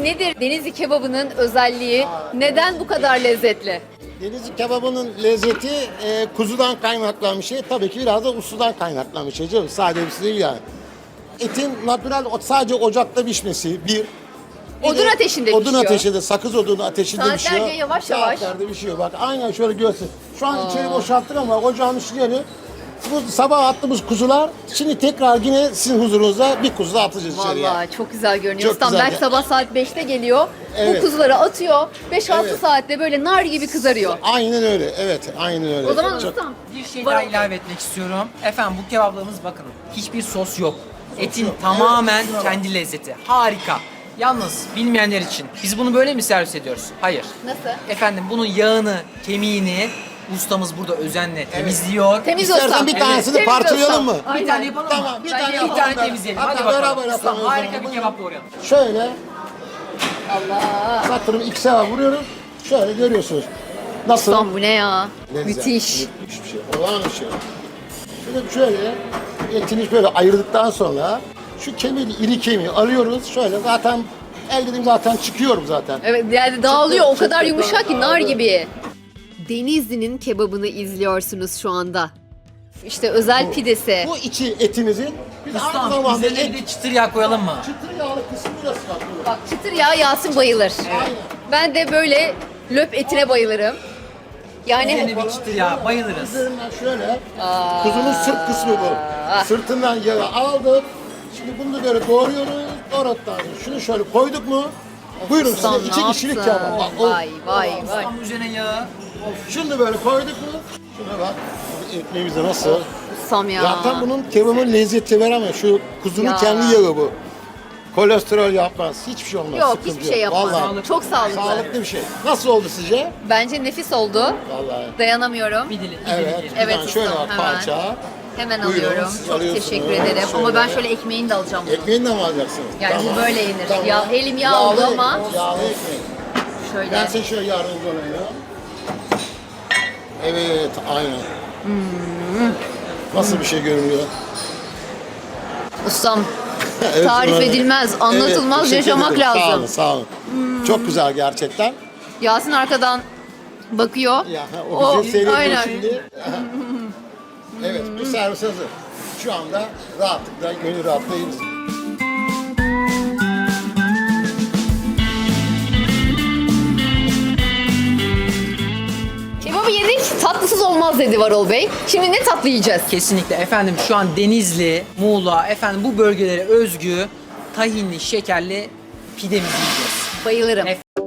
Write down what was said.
Peki nedir Denizli kebabının özelliği? Neden bu kadar lezzetli? Denizli kebabının lezzeti kuzudan kaynaklanan bir şey. Tabii ki biraz da usudan kaynaklanan bir şey canım. Sade bir şey değil yani. Etin natural sadece ocakta pişmesi bir. Odun ateşinde odun pişiyor. ateşinde, sakız odunu ateşinde Saatlerce pişiyor. yavaş yavaş. Saatlerde pişiyor. Bak aynen şöyle görsün. Şu an içeri boşalttık ama ocağın içleri bu sabah attığımız kuzular şimdi tekrar yine sizin huzurunuzda bir kuzu da atacağız içeriye. Vallahi çok güzel görünüyor. Çok Ustam güzel. belki sabah saat 5'te geliyor. Evet. Bu kuzuları atıyor. 5-6 Evet. saatte böyle nar gibi kızarıyor. Aynen öyle. Evet, aynen öyle. O zaman Çok- ustam Bir şey daha ilave etmek istiyorum. Efendim bu kebaplarımız bakın hiçbir sos yok. Etin tamamen kendi lezzeti. Harika. Yalnız bilmeyenler için biz bunu böyle mi servis ediyoruz? Hayır. nasıl? Efendim bunun yağını, kemiğini ustamız burada özenle temizliyor. Temiz İstersen ustam. bir tanesini Temiz parçalayalım ustam. mı? Aynen. Bir tane yapalım mı? Tamam, bir tane Bence Bir tane temizleyelim. Hatta Hadi bakalım. beraber Ustam yapalım o harika zaman. bir kebap doğrayalım. Şöyle Allah. satırım iki sefer vuruyorum. Şöyle görüyorsunuz. Nasıl? Ustam bu ne ya? Lezzet. Müthiş. Müthiş bir şey. Olağan bir şey. Şöyle etini böyle ayırdıktan sonra şu kemiği, iri kemiği alıyoruz. Şöyle zaten ellerim zaten çıkıyorum zaten. Evet yani dağılıyor o Çıktı, kadar çıktı, yumuşak ki nar dağıldı. gibi. Denizli'nin kebabını izliyorsunuz şu anda. İşte özel pidesi. Bu içi etimizin biz aynı Ustam zamanda üzerine bir de çıtır yağ koyalım mı? çıtır yağlı kısmı burası bak. Bak çıtır yağ Yasin bayılır. Aynen. Ben de böyle löp etine bayılırım. Yani Üzerine bir çıtır yağ bayılırız. Üzerinden şöyle kuzunun sırt kısmı bu. Sırtından yağı aldık. Şimdi bunu da böyle doğruyoruz. Doğradıktan sonra şunu şöyle koyduk mu? Buyurun ustam size iki ne kişilik yapsın? kebap. Bak, o- Vay vay vay. Ustam üzerine yağı. Şunu da böyle koyduk mu? Şuna bak. Ekmeğimiz de nasıl? Ustam ya. Zaten bunun kebabın lezzeti veremez. Şu kuzunun Ya. kendi yağı bu. Kolesterol yapmaz. Hiçbir şey olmaz. Yok sıkıntı hiçbir şey yapmaz. Vallahi. Çok sağlıklı. Sağlıklı bir şey. Nasıl oldu sizce? Bence nefis oldu. Vallahi. Dayanamıyorum. Bir dilim. Evet. dilim. Evet, Bir tane şöyle ustam, bak hemen. parça. Hemen Buyurun, alıyorum. siz Çok alıyorsunuz. teşekkür ederim. Ama Şöyle. ben şöyle ekmeğini de alacağım bunu. Ekmeğini de mi alacaksınız? Yani bu böyle yenir. Ya, elim yağ Yağlı oldu ama ekmek, yağlı ekmek. şöyle. Ben size şöyle yardımcı olayım. Evet, aynen. Nasıl bir şey görünüyor? Ustam Evet, tarif öyle. edilmez, anlatılmaz, teşekkür yaşamak ederim. lazım. Sağ olun, sağ olun. Çok güzel gerçekten. Yasin arkadan bakıyor. Ya, o bizi seyrediyor aynen. şimdi. Evet, bu servis hazır. Şu anda rahatlıkla, gönül rahatlıkla yiyoruz. Kebabı yedik, tatlısız olmaz dedi Varol Bey. Şimdi ne tatlı yiyeceğiz? Kesinlikle efendim şu an Denizli, Muğla efendim bu bölgelere özgü tahinli, şekerli pidemizi yiyeceğiz. Bayılırım.